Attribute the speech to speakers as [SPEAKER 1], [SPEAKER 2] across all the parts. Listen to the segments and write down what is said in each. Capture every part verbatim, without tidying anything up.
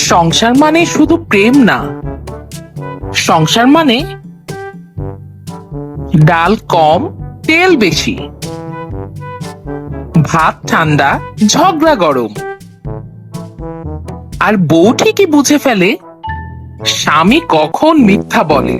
[SPEAKER 1] সংসার মানে শুধু প্রেম না, সংসার মানে ডাল কম তেল বেশি, ভাত ঠান্ডা ঝগড়া গরম, আর বউ ঠিকই বুঝে ফেলে স্বামী কখন মিথ্যা বলে।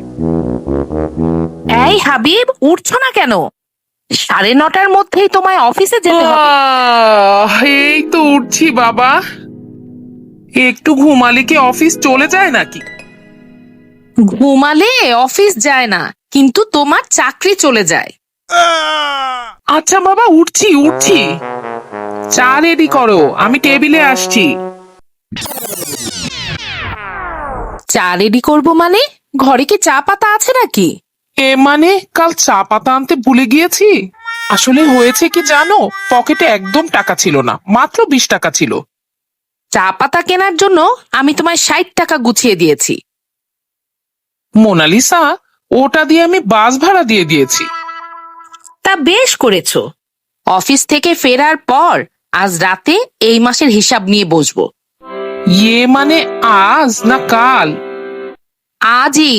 [SPEAKER 2] এই হাবিব, উঠছো না কেন? সাড়ে নটার মধ্যেই তোমায় অফিসে যেতে হবে।
[SPEAKER 1] আহ, এই তো উঠছি বাবা। একটু ঘুমালে কি অফিস চলে যায় নাকি?
[SPEAKER 2] ঘুমালে অফিস যায় না, কিন্তু তোমার চাকরি চলে যায়।
[SPEAKER 1] আচ্ছা বাবা, উঠছি উঠছি। চা রেডি করো, আমি টেবিলে আসছি।
[SPEAKER 2] চা রেডি করবো মানে? ঘরে কি চা পাতা আছে নাকি?
[SPEAKER 1] এ মানে কাল চা পাতা আনতে ভুলে গিয়েছি। আসলে হয়েছে কি জানো, পকেটে একদম টাকা ছিল না, মাত্র বিশ টাকা ছিল।
[SPEAKER 2] চা পাতা কেনার জন্য আমি তোমায় ষাট টাকা গুছিয়ে দিয়েছি।
[SPEAKER 1] মোনালিসা, ওটা দিয়ে আমি বাস ভাড়া দিয়ে দিয়েছি।
[SPEAKER 2] তা বেশ করেছো। অফিস থেকে ফেরার পর আজ রাতে এই মাসের হিসাব নিয়ে বসবো।
[SPEAKER 1] ইয়ে মানে আজ না কাল?
[SPEAKER 2] আজই।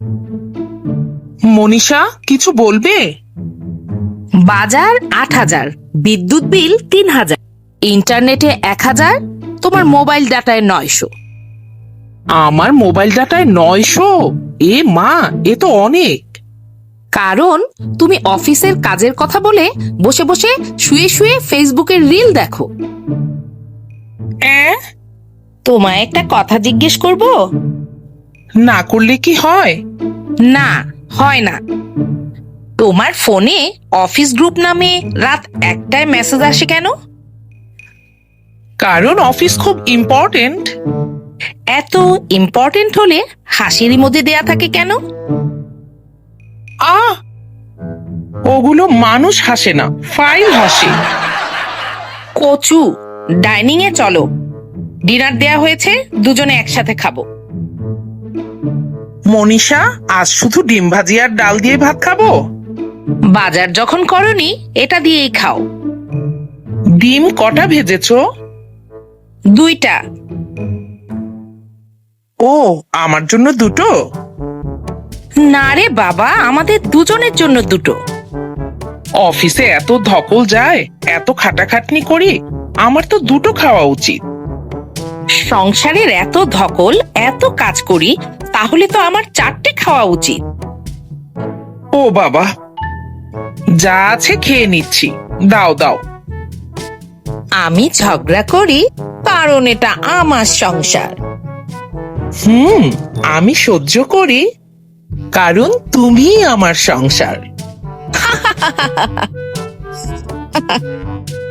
[SPEAKER 1] মনীষা, কিছু বলবে?
[SPEAKER 2] বাজার আট হাজার, বিদ্যুৎ বিল তিন হাজার, ইন্টারনেটে এক হাজার, তোমার মোবাইল ডাটায় নয়শো।
[SPEAKER 1] আমার মোবাইল ডাটায় নয়শো? এ মা, এ তো অনেক।
[SPEAKER 2] কারণ তুমি অফিসের কাজের কথা বলে বসে বসে শুয়ে শুয়ে ফেসবুকের রিল দেখো।
[SPEAKER 1] অ্যাঁ?
[SPEAKER 2] তোমায় একটা কথা জিজ্ঞেস করব?
[SPEAKER 1] না করলে কি হয়?
[SPEAKER 2] না, হয় না। তোমার ফোনে অফিস গ্রুপ নামে রাত একটায় মেসেজ আসে কেন?
[SPEAKER 1] কারণ অফিস খুব ইম্পর্টেন্ট।
[SPEAKER 2] এত ইম্পর্টেন্ট হলে হাসির ইমোজি দেয়া থাকে কেন?
[SPEAKER 1] আহ, ওগুলো মানুষ হাসে না, ফাইল হাসে।
[SPEAKER 2] কচু, ডাইনিং এ চলো, ডিনার দেয়া হয়েছে, দুজনে একসাথে খাবো।
[SPEAKER 1] মনীষা, আজ শুধু ডিম ভাজি আর ডাল দিয়ে ভাত খাবো?
[SPEAKER 2] বাজার যখন করনি, এটা দিয়েই খাও।
[SPEAKER 1] ডিম কটা ভেজেছো?
[SPEAKER 2] দুইটা।
[SPEAKER 1] ও, আমার জন্য দুটো?
[SPEAKER 2] না রে বাবা, আমাদের দুজনের জন্য দুটো।
[SPEAKER 1] অফিসে এত ধকল যায়, এত খাটাখাটনি করি, আমার তো দুটো খাওয়া উচিত।
[SPEAKER 2] সংসারের এত ধকল, এত কাজ করি, তাহলে তো আমার চারটে খাওয়া উচিত।
[SPEAKER 1] ও বাবা, যা আছে খেয়ে নিচ্ছি, দাও দাও।
[SPEAKER 2] আমি ঝগড়া করি কারণ এটা আমার সংসার।
[SPEAKER 1] হুম, আমি সহ্য করি কারণ তুমি আমার সংসার।